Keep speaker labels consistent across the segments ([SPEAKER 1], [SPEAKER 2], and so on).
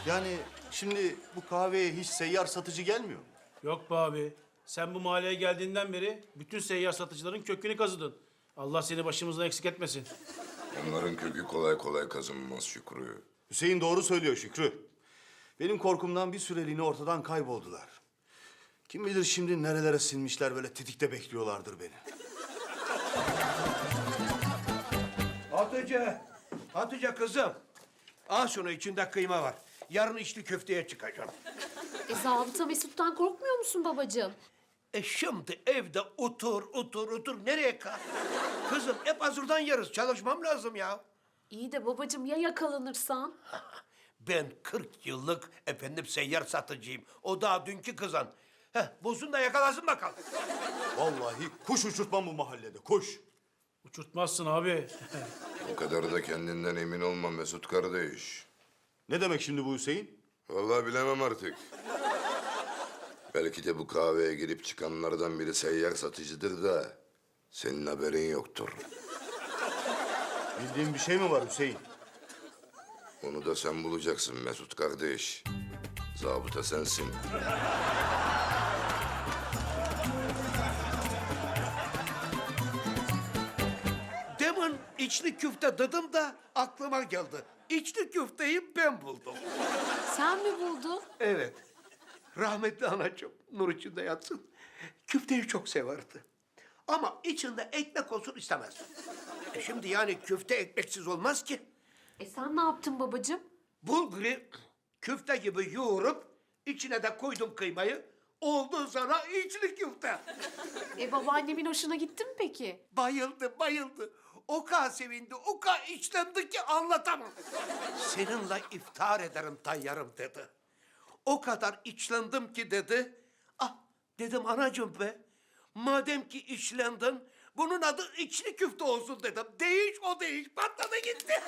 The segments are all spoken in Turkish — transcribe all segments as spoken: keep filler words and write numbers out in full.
[SPEAKER 1] Yani şimdi bu kahveye hiç seyyar satıcı gelmiyor mu?
[SPEAKER 2] Yok be abi. Sen bu mahalleye geldiğinden beri bütün seyyar satıcıların kökünü kazıdın. Allah seni başımızdan eksik etmesin.
[SPEAKER 3] Onların kökü kolay kolay kazınmaz Şükrü.
[SPEAKER 1] Hüseyin doğru söylüyor Şükrü. Benim korkumdan bir süreliğine ortadan kayboldular. Kim bilir şimdi nerelere silmişler, böyle tetikte bekliyorlardır beni.
[SPEAKER 4] Hatice, Hatice kızım. Al şunu, içinde kıyma var. Yarın içli köfteye çıkacağım.
[SPEAKER 5] E zabıta Mesut'tan korkmuyor musun babacığım?
[SPEAKER 4] E şimdi evde otur, otur, otur. Nereye kal? Kızım hep hazırdan yeriz. Çalışmam lazım ya.
[SPEAKER 5] İyi de babacığım ya yakalanırsan?
[SPEAKER 4] Ben kırk yıllık efendim seyyar satıcıyım. O daha dünkü kızan. Heh, bozun da yakalasın bakalım.
[SPEAKER 1] Vallahi kuş uçurtmam bu mahallede, kuş.
[SPEAKER 2] Uçurtmazsın abi.
[SPEAKER 3] O kadar da kendinden emin olma Mesut kardeş.
[SPEAKER 1] Ne demek şimdi bu Hüseyin?
[SPEAKER 3] Vallahi bilemem artık. Belki de bu kahveye girip çıkanlardan biri seyyar satıcıdır da senin haberin yoktur.
[SPEAKER 1] Bildiğin bir şey mi var Hüseyin?
[SPEAKER 3] Onu da sen bulacaksın Mesut kardeş. Zabıta sensin.
[SPEAKER 4] Demin içli köfte dedim da aklıma geldi. İçli köfteyi ben buldum.
[SPEAKER 5] Sen mi buldun?
[SPEAKER 4] Evet. Rahmetli anacığım nur içinde yatsın. Köfteyi çok severdi. Ama içinde ekmek olsun istemez. E şimdi yani köfte ekmeksiz olmaz ki.
[SPEAKER 5] E sen ne yaptın babacığım?
[SPEAKER 4] Bulguru köfte gibi yoğurup içine de koydum kıymayı. Oldu sana içli köfte.
[SPEAKER 5] E babaannemin hoşuna gitti mi peki?
[SPEAKER 4] Bayıldı, bayıldı. O kadar sevindi, o kadar içlendi ki anlatamam. Seninle iftar ederim tayyarım dedi. O kadar içlendim ki dedi. Ah dedim anacığım be. Madem ki içlendin, bunun adı içli köfte olsun dedim. Değiş o değiş, patladı gitti.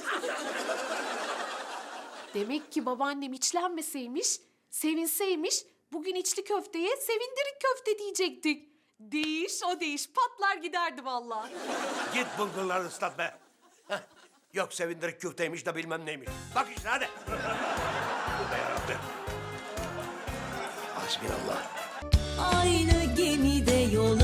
[SPEAKER 5] Demek ki babaannem içlenmeseymiş, sevinseymiş, bugün içli köfteye sevindirik köfte diyecektik. Değiş o değiş, patlar giderdi vallahi.
[SPEAKER 4] Git bulgurları ıslat be. Heh, yok sevindirik köfteymiş de bilmem neymiş. Bak işte hadi. Bu da yarabbim. Hasbinallah.
[SPEAKER 6] Aynı gemide yol